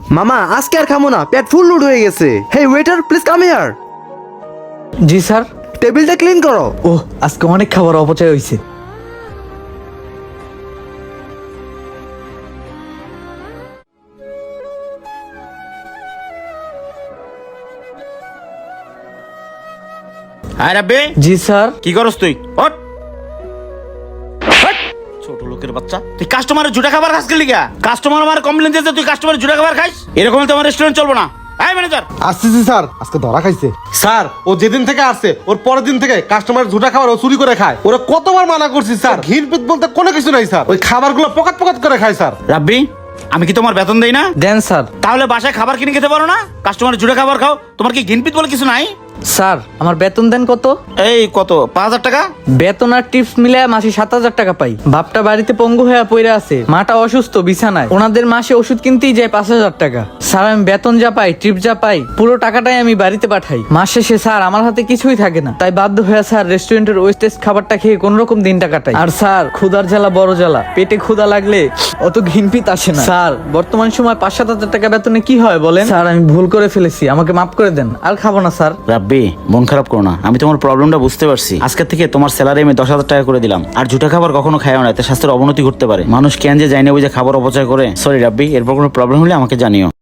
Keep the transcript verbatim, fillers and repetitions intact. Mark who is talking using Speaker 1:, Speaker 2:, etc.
Speaker 1: মামা আজকে আর খামো না, পেট ফুল লোড হয়ে গেছে। Hey waiter, please come here.
Speaker 2: জি স্যার।
Speaker 1: টেবিলটা ক্লিন করো।
Speaker 2: ও আজকে অনেক খাবার অপচয় হয়েছে।
Speaker 3: আয় রাব্বি।
Speaker 2: জি স্যার।
Speaker 3: কি করস তুই? ওঠ ওঠ। ছোট লোকের বাচ্চা, তুই কাস্টমারের জুটা খাবার খাস গেলি গা? কাস্টমার আমার কমপ্লেন দিয়েছে তুই কাস্টমারের জুটা খাবার খাইস? এরকম হলে তোমার রেস্টুরেন্ট চলবে না। আয় ম্যানেজার।
Speaker 4: আসতেছি স্যার, আজকে ধরা খাইছে স্যার। ও যেদিন থেকে আসছে ওর পরের দিন থেকে কাস্টমার ঝুটা খাবার ও চুরি করে খায়। ওরা কতবার মানা করছি স্যার, ঘিন পিত বলতে কোনো কিছু নাই স্যার। ওই খাবারগুলো পকাত পকাত করে খায় স্যার।
Speaker 3: রাব্বি, আমি কি তোমার বেতন দেই না?
Speaker 2: দেন স্যার।
Speaker 3: তাহলে বাসায় খাবার কিনে খেতে পারো না? কাস্টমারের জুটা খাবার খাও। তোমার কি ঘিনপিত বলে কিছু নাই?
Speaker 2: স্যার আমার বেতন দেন কত?
Speaker 3: এই কত? পাঁচ হাজার টাকা।
Speaker 2: বেতন আর টিপস মিলে মাসে সাত হাজার টাকা পাই। বাপটা বাড়িতে পঙ্গু হয়ে পড়ে আছে, মাটা অসুস্থ বিছানায়, ওনাদের মাসে ওষুধ কিনতেই যায় পাঁচ হাজার টাকা। স্যার আমি বেতন যা পাই, টিপ যা পাই, পুরো টাকাটাই আমি বাড়িতে পাঠাই। মাস শেষে স্যার আমার হাতে কিছুই থাকে না, তাই বাধ্য হয়ে স্যার রেস্টুরেন্টের ওয়েস্টেজ খাবারটা খেয়ে কোন রকম দিনটা কাটাই। আর স্যার ক্ষুধার জ্বালা বড় জ্বালা, পেটে ক্ষুধা লাগলে অত ঘিনপিত আসে না। স্যার বর্তমান সময় পাঁচ সাত হাজার টাকা বেতনে কি হয় বলেন? স্যার আমি ভুল করে ফেলেছি, আমাকে মাফ করে দেন, আর খাবো না স্যার।
Speaker 3: রাব্বি, মন খারাপ করো না, আমি তোমার প্রবলেমটা বুঝতে পারছি। আজকের থেকে তোমার স্যালারি আমি দশ হাজার টাকা করে দিলাম। আর জুটা খাবার কখনো খায়ও না, এতে স্বাস্থ্যের অবনতি ঘটতে পারে। মানুষ কেন যে যায় না বুঝে খাবার অপচয় করে। সরি রাব্বি, এরপর কোনো প্রবলেম হলে আমাকে জানিও।